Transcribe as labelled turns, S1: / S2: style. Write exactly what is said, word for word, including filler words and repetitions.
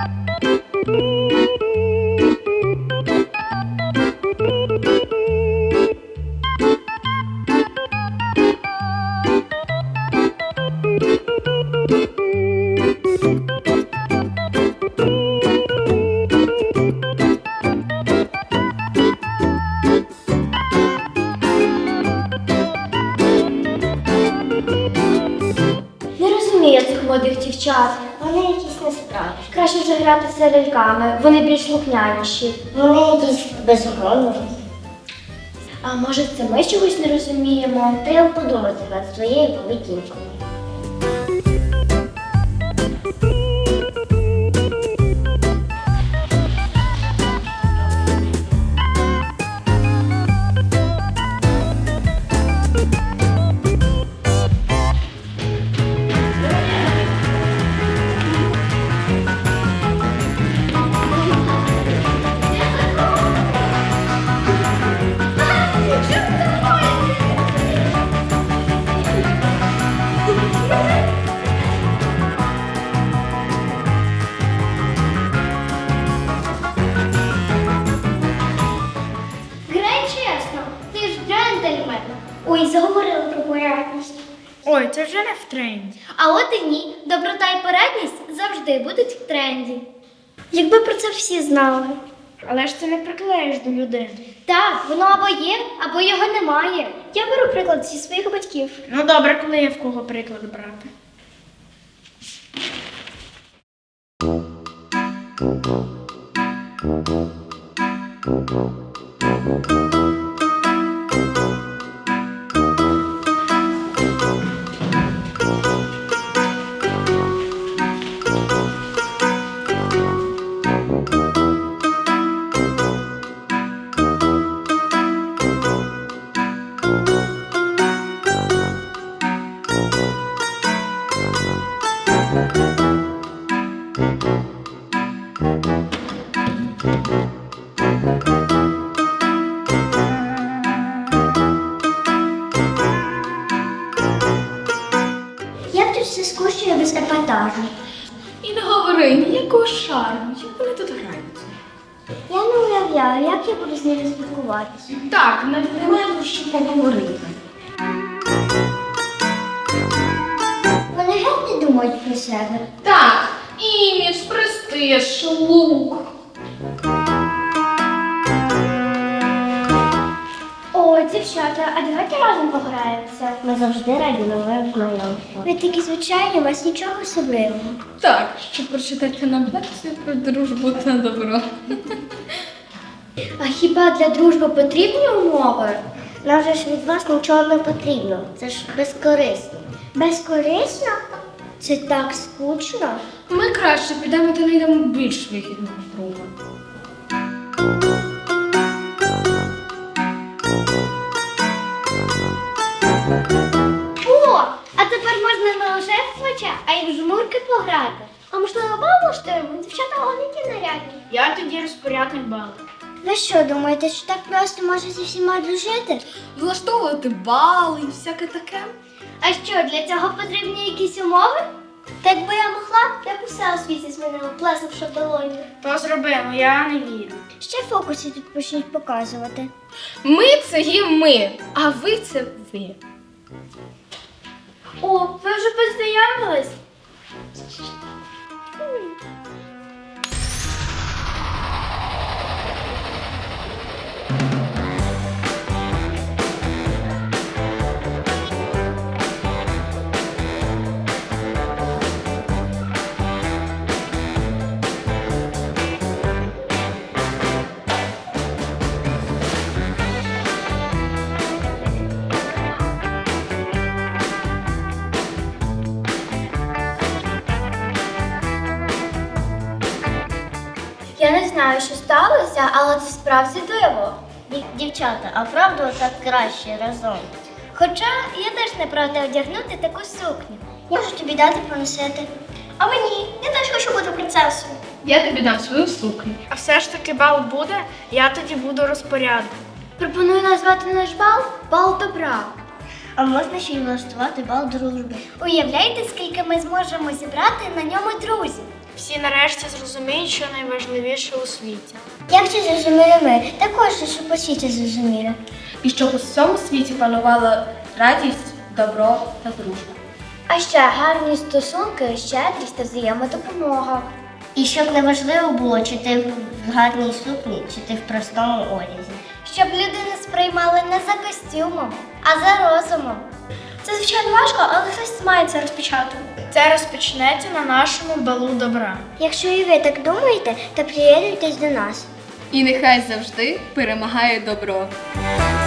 S1: Молодих дівчат.
S2: Вони якісь несправжні.
S1: Краще вже грати з ляльками, вони більш слухняніші.
S2: Вони якісь безгромні.
S1: А може це ми чогось не розуміємо?
S2: Треба подумати над своєю поведінкою.
S1: Ой, заговорили про порядність.
S3: Ой, це вже не в тренді.
S1: А от і ні. Доброта і порядність завжди будуть в тренді. Якби про це всі знали.
S3: Але ж ти не приклеїш до людини.
S1: Так, воно або є, або його немає. Я беру приклад зі своїх батьків.
S3: Ну добре, коли є в кого приклад брати.
S1: Як тут все скучно без епатажу?
S3: І не говори ніякого шарму, як вони тут грають.
S1: Я не уявляю, як я буду з ними спілкуватися.
S3: Так, навіть немає про що поговорити.
S1: Вони геть не думають про себе.
S3: Так, імідж, престиж, лук.
S1: О, дівчата, а давайте разом пограємося.
S2: Ми завжди раді новим знайомствам.
S1: Ви такі звичайні, у вас нічого особливого.
S3: Так, щоб прочитати нам лекцію про дружбу та добро.
S1: А хіба для дружби потрібні умови?
S2: Нам же ж від вас нічого не потрібно. Це ж безкорисно.
S1: Безкорисно? Це так скучно.
S3: Ми краще підемо та знайдемо більш вигідного друга.
S1: О, а тепер можна не лише в плече, а й в жмурки пограти. А можливо, бал влаштуємо? Дівчата головні нарядні.
S3: Я тоді розпорядник балу.
S1: Ви що, думаєте, що так просто можна зі всіма дружити?
S3: Влаштовувати бали і всяке таке.
S1: А що, для цього потрібні якісь умови? Та якби я могла, я б усе у світі змінила, плеснувши в долоні.
S3: То зробимо, я не вірю.
S1: Ще фокуси тут почнуть показувати.
S3: Ми це є ми, а ви це ви.
S1: О, ви вже познайомились? Я не знаю, що сталося, але це справді диво.
S2: Дів- Дівчата, а правда так краще разом?
S1: Хоча я теж не проти одягнути таку сукню. Я можу тобі дати поносити. А мені, я теж хочу бути принцесою.
S3: Я тобі дам свою сукню. А все ж таки бал буде, я тоді буду розпорядник.
S1: Пропоную назвати наш бал бал добра.
S2: А можна ще й влаштувати бал дружби.
S1: Уявляєте, скільки ми зможемо зібрати на ньому друзів?
S3: всі нарешті зрозуміють, що найважливіше у світі.
S1: Як це зрозуміли ми? Також, щоб усі це зрозуміли.
S4: І щоб у всьому світі панувала радість, добро та дружба.
S1: А ще гарні стосунки, щедрість та взаємодопомога.
S2: І щоб не важливо було, чи ти в гарній сукні, чи ти в простому одязі.
S1: Щоб людину сприймали не за костюмом, а за розумом. Це, звичайно, важко, але хтось має це розпочати.
S3: Це розпочнеться на нашому балу добра.
S1: Якщо і ви так думаєте, то приєднуйтесь до нас.
S4: І нехай завжди перемагає добро.